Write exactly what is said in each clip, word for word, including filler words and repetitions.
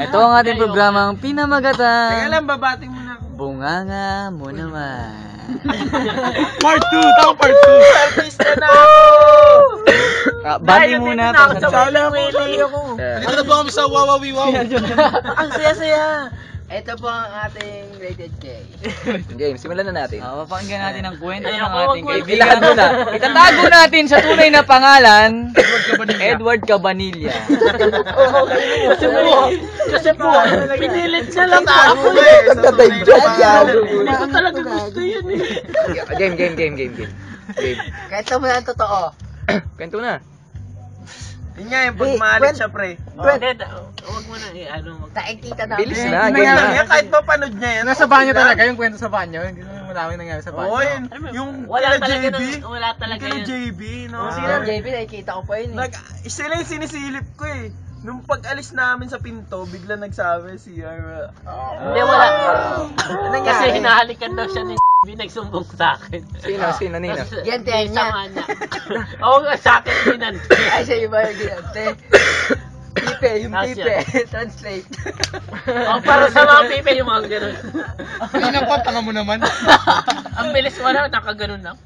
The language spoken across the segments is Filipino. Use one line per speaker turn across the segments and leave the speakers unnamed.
Ito ang ating programang Pinamagatang.
Teka lang, babating muna ako.
Bunganga mo naman.
Part two! Tao part two! Artista na ako!
Ah, bati muna.
Sala ako. Dito na po kami sa Wawawi Wow.
Ang saya-saya.
Ito po ang ating rated K.
Game, simulan na natin. Uh, papakinggan natin ang kwento ng
Ayoko,
ating
wag-
kaibigan. Ilahad na. Itatago natin sa tunay na pangalan, Edward Cabanilla.
Kasi po, kasi po, pinilit siya lang ako. Hindi ko talaga gusto yun eh.
Game, game, game, game, game. Game.
Kahit mo na ang totoo.
Kwento na.
Yun nga yung pagmalit siya, pre.
Hindi, huwag mo na i-ano. Nakikita namin.
Bilis na,
Hindi
game
lang
na.
yan, kahit mapanood niya yan.
Nasa banyo talaga, yung kwento sa banyo, hindi naman malawin nangyari sa banyo.
Oo, yun. Yung
Wala
kila
talaga
J B.
nun- wala talaga
Kila
yun.
J B, no?
Sino ang J P? Nakikita ko pa yun eh.
Nag, sila yung sinisilip ko eh. Nung pag-alis namin sa pinto, bigla nagsabi si Ara.
Hindi, wala. Kasi hinahalikan daw siya ni B, nagsumbong sa akin.
Sino, sino, nino?
Gante niya. Oo nga, sa akin binan. Ay, siya iba yung ginante. Pipe, yung pipe. Translate. Oh, para sa mga pipe, yung mga ganun.
Ay, naku, tanga mo naman.
Ang bilis mo na, nakaganon lang.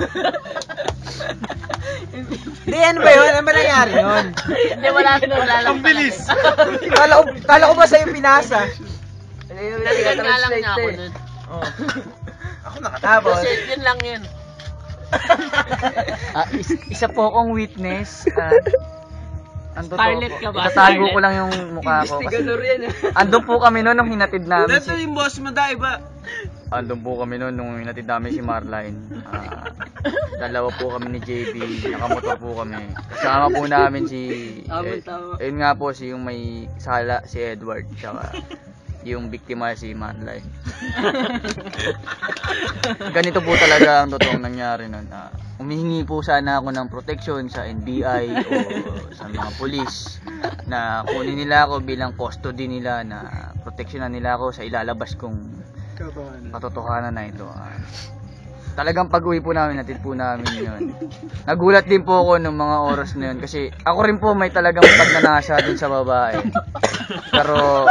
Hindi, ano ba yun? Ano ba nangyari yun?
Hindi, wala na, wala lang.
Ang bilis.
Kala ko, kala ko ba sa'yo pinasa?
Naligan nga lang niya ako nun.
Ako nakatapos.
Tapos,
Kasi yun lang yun.
Ah, is- isa po akong witness. Ah, ang totoo
Scarlett
po.
ka ba?
Itatago
Scarlett?
ko lang yung mukha ko. Kasi
Investigador yan eh.
andun po kami noon nung hinatid namin
Dito
si...
yung boss mo, dahil ba?
Andun po kami noon nung hinatid namin si Marline. Ah, dalawa po kami ni J B. Nakamotor po kami. Kasama po namin si... Eh, ayun nga po si yung may sala, si Edward. Tsaka yung biktima si Marline. Ganito po talaga ang totoong nangyari nun. Ah, humihingi po sana ako ng protection sa N B I o sa mga pulis na kunin nila ako bilang custody nila, na proteksyonan nila ako sa ilalabas kong katotohanan na ito. Ah, talagang pag-uwi po namin, natid po namin yun. Nagulat din po ako ng mga oras na yun kasi ako rin po may talagang pagnanasa dun sa babae. Pero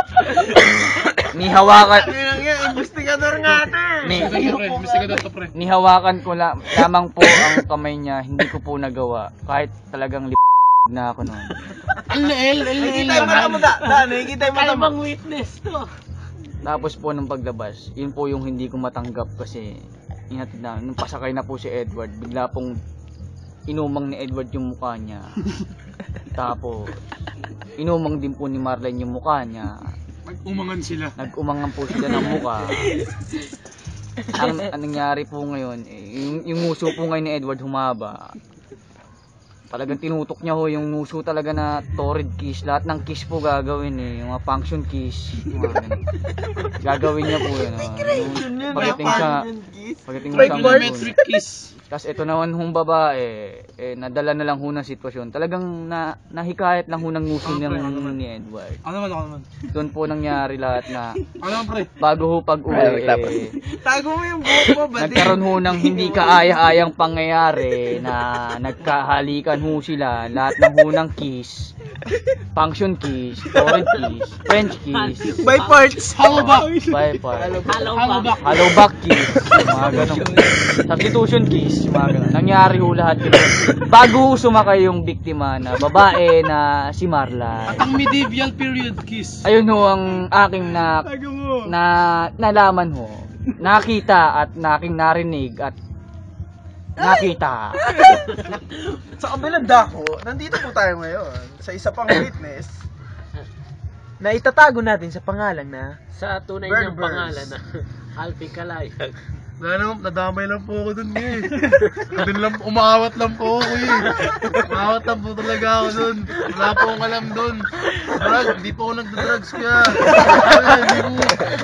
ni hawakan
Yan nga, investigador nga ito eh.
ni,
Investigador to, pre.
ni hawakan ko la, lamang po ang kamay niya, hindi ko po nagawa kahit talagang lip na ako noon.
L L, L L.
Nakikita yung mata mo, da. Da, nakikita yung mata
Kaya
mo.
bang witness to?
Tapos po nung paglabas, yun po yung hindi ko matanggap kasi inatid na, nung pasakay na po si Edward, bigla pong inumang ni Edward yung mukha niya. Tapos inumang din po ni Marlene yung mukha niya.
Nag-umangan sila.
Nag-umangan po sila ng mukha. Ang, ang nangyari po ngayon, eh, yung, yung nguso po ngayon ni Edward humaba. Talagang tinutok niya ho yung nguso talaga na torrid kiss. Lahat ng kiss po gagawin eh. Yung mga function kiss. Yung mga ganun. Gagawin niya po yun. Oh. Yung pagdating sa... Pagdating sa
Trigonometric kiss.
Tapos ito naman hong babae, eh, nadala na lang ho ng sitwasyon. Talagang na, nahikayat lang ho ng nguso ng ni Edward.
Ako naman, ako naman.
Doon po nangyari lahat na
Ako naman, pre.
bago ho pag-uwi, eh,
Tago mo yung buhok mo, ba?
nagkaroon ho ng hindi kaaya-ayang pangyayari na nagkahalikan ho sila. Lahat ng ho ng kiss, function kiss, torrid kiss, French kiss,
By parts.
How about?
bye bye,
Hello
How
ba?
about?
hello back kiss, yung mga ganun. Substitution kiss, yung mga ganun. Nangyari ho lahat yun. Bago ho sumakay yung biktima na babae na si Marla.
Ang medieval period kiss.
Ayun ho ang aking na,
Tago mo.
na nalaman ho. Nakita at naking narinig at nakita.
Sa kabilang dako, nandito po tayo ngayon sa isa pang witness
na itatago natin sa pangalan na
Sa tunay
Bird
niyang
Birds.
pangalan na Alpi Kalayag.
Ano, nadamay lang po ako dun eh. Dun lang, umaawat lang po ako eh. Umaawat lang po talaga ako dun. Wala po akong alam dun. Drug, hindi po ako nagda-drugs kaya. Kaya, hindi po.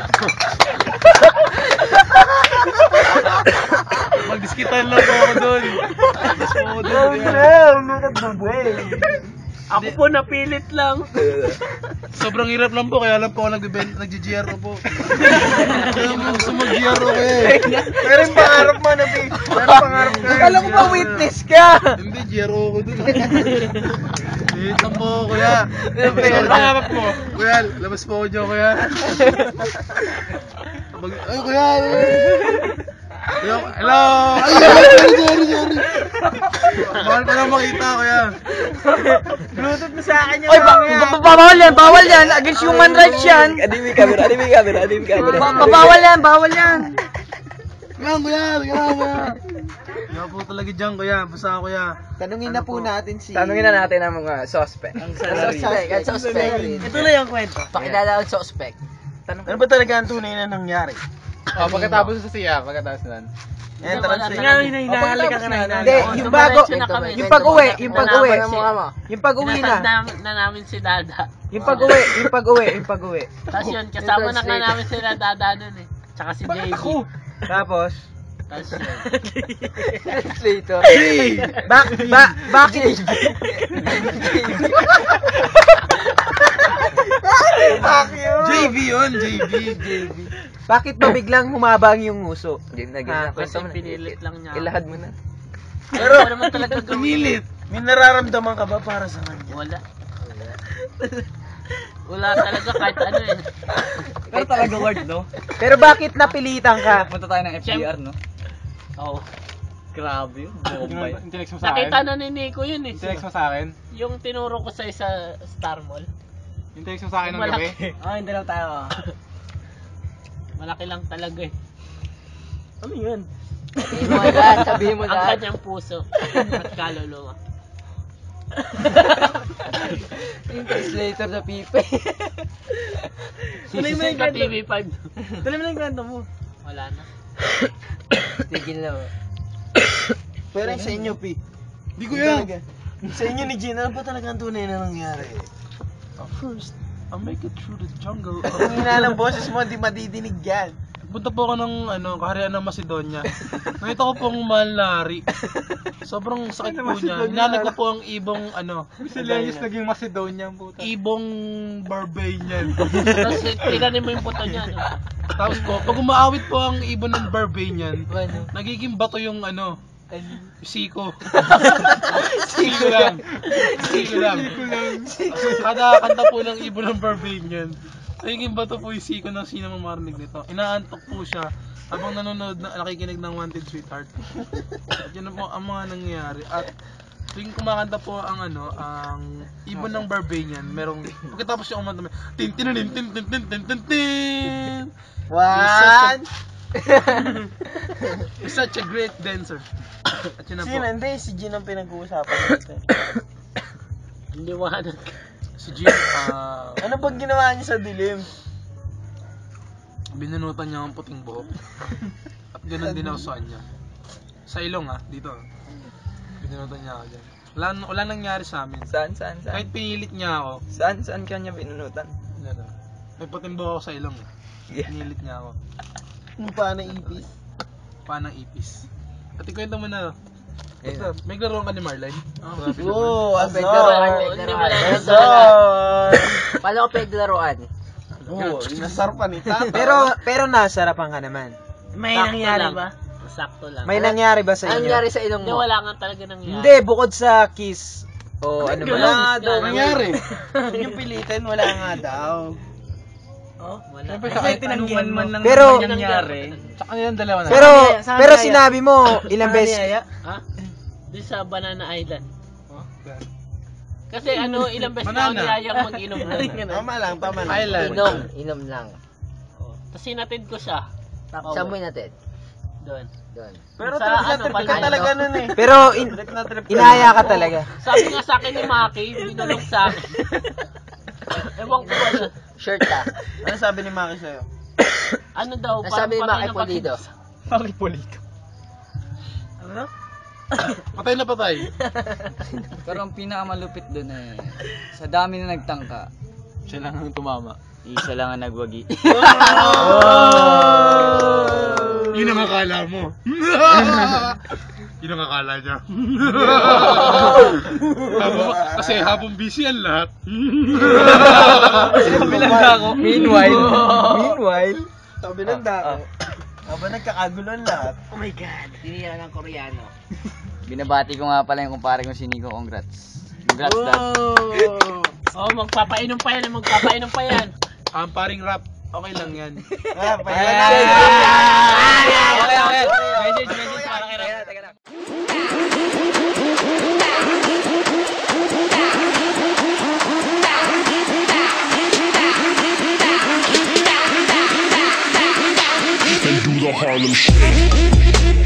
Magdiskitan lang po ako dun. Magdis po ako dun. kaya.
Ako po napilit lang.
Sobrang hirap lang po, kaya lang po ako nag-G R O po. Kaya mo gusto mag-G R O eh.
Pero yung pangarap mo na, P. Pero yung pangarap ka.
Akala ko ba witness ka?
Hindi, G R O ko dun. Minit lang po, kuya.
Pero pangarap
mo. Kuya, labas po ako dyan, kuya. Pag- Ay, kuya. Kuya, hello. Ay, sorry, sorry, sorry. Mahal pa lang makita, kuya.
Bluetooth mo sa akin yung
Oy, ba- ba- bawal yan, bawal yan. Against human rights yan.
Adimi camera, adimi camera, adimi camera.
Ba- ba- bawal yan, bawal yan.
Kuya, kuya, kuya, kuya. Kuya po talaga dyan, kuya. Basta kuya.
Tanungin na po natin si...
Tanungin na natin ang mga suspect.
Ang suspect, ang suspect.
Ito na yung kwento.
Pakilala ang suspect.
Ano ba talaga ang tunay na nangyari?
Oh, pagkatapos sa siya, pagkatapos nun.
Entrance
Wala
na.
talaga.
Hinahalika ka na.
Hindi,
Oo,
yung bago,
dumiretso na kami.
yung pag-uwi, yung pag-uwi.
Nalaman si-
Yung pag-uwi
Inasad
na.
na, na namin si Dada.
Yung pag-uwi, yung pag-uwi, yung pag-uwi.
Tapos yun, kasama na nga namin sila Dada nun eh. Tsaka si J B.
Tapos,
Tapos yun.
translator. Ba, ba, bakit?
J B yun, J B. J B.
Bakit ba biglang humabang yung uso? Game na,
Ah, kasi pinilit lang niya.
Ilahad mo na.
Pero wala naman talaga gawin.
Pumilit.
May nararamdaman ka ba para sa kanya?
Wala. Wala talaga kahit ano eh.
Pero talaga word, no?
Pero bakit napilitan ka?
Punta tayo ng F B R, no?
Oo.
Grabe yun. Bomba yun.
Tinext mo sa akin?
Nakita na ni Nico yun eh.
Tinext mo sa akin?
Yung tinuro ko sa isa Star Mall.
Yung text mo sa akin ng
Malaki.
gabi?
Ah, hindi lang tayo.
Malaki lang talaga eh.
Ano yun?
Sabihin mo lahat, sabihin mo
Ang
lahat.
kanyang puso at kaluluwa.
Yung translator sa pipe.
Tuloy mo yung
Sa
kwento.
T V five.
Tuloy mo na yung kwento mo.
Wala na.
Tigil na.
Pero yung sa inyo, P.
Hindi ko yan.
Talaga. Sa inyo ni Gina, ano ba talaga ang tunay na nangyari?
First, I'll make it through the jungle.
Kung hina ng boses mo, di madidinig yan.
Punta po ako ng ano, kaharian ng Macedonia. Nakita ko pong mahal na hari. Sobrang sakit po niya. Hinanag ko po ang ibong ano,
Miscellaneous
naging Macedonia puta. Ibong Barbanian.
Tapos tingnan mo yung puto niya. No?
Tapos po, pag umaawit po ang ibon ng Barbanian, nagiging bato yung ano, siko. Siko lang. Siko lang. Kada kanta po ng ibon ng Barbanian, nagiging bato po yung siko ng sino mang marinig nito. Inaantok po siya habang nanonood na nakikinig ng Wanted Sweetheart. At yun na po ang mga nangyayari. At tuwing kumakanta po ang ano, ang ibon ng Barbanian, merong pagkatapos yung umanta, may tin tin tin tin tin tin tin tin tin.
One!
He's such a great dancer. At yun na po.
Sino? Hindi, si Gina ang pinag-uusapan natin.
Liwanag.
Si Jim, ah,
Ano bang ginawa niya sa dilim?
binunutan niya ang puting buhok. At ganun din ako sa kanya. Sa ilong ah, dito. Binunutan niya ako dyan. Wala, wala nangyari sa amin.
Saan, saan, saan?
Kahit pinilit niya ako,
Saan, saan kanya binunutan?
ano, may puting buhok ako sa ilong. eh.
Yeah.
Pinilit niya ako.
Yung paano ipis?
Panang ipis. At ikwento mo na,
Ayun.
may laro ka ni Marlene?
Oo,
Oh,
azar!
Hindi mo na
Azar!
Paano ko paglaruan?
Oo, inasar pa ni Tata.
Pero, pero nasarapan ka naman.
may
Sakto
nangyari
lang.
ba?
Sakto lang.
May nangyari ba sa inyo?
sa ilong mo? Hindi, wala nga talaga nangyari.
Hindi, bukod sa kiss. O ano ba?
Wala nga daw.
Nangyari.
Huwag yung pilitin, wala nga daw.
Oh, wala.
Siyempre
Kasi
sa kahit
tinanggihan
anong
man
man
lang
Pero,
nangyari.
Sa kanilang dalawa na.
Pero,
Saan
pero
kaya?
sinabi mo, ilang beses.
Ha? Di sa Banana Island.
Oh, ganun.
Kasi ano, ilang beses na ako
Banana.
niyayang mag-inom na.
Tama lang, tama lang.
Island.
Inom, inom lang.
Oh, tapos sinatid ko siya. Tapos,
Saan mo natin?
doon.
Doon.
Pero
Sa
talaga,
ano,
trip ka
Palma,
talaga
no?
nun eh.
Pero, in,
Trip na trip ka.
inaya ka talaga.
Sabi nga sa akin ni Maki, binulong sa akin. Ewan ko ano.
Shirt ka.
Ano sabi ni Maki sa'yo?
Ano daw,
Nasabi ni
parang
Maki
patay na
Pulido.
Maki Polito. Ano?
Patay na patay.
Pero ang pinakamalupit dun eh, sa dami na nagtangka,
Siya lang ang tumama.
isa lang ang nagwagi.
Yun ang akala mo. Yun ang akala niya. Habang- kasi habang busy ang lahat.
Meanwhile, meanwhile,
Sabi ng dako. Habang nagkakagulon lahat. Oh my God.
Tinira ng Koreano.
Binabati ko nga pala yung kumpare ko si Nico, congrats. Congrats dad.
Oh!
Oh, magpapainom pa yan, magpapainom pa yan.
Ang paring rap, okay lang yan.
Ah,
Okay,
payagan.
okay.
Message, message para kay Rap.
They do the Harlem Shake.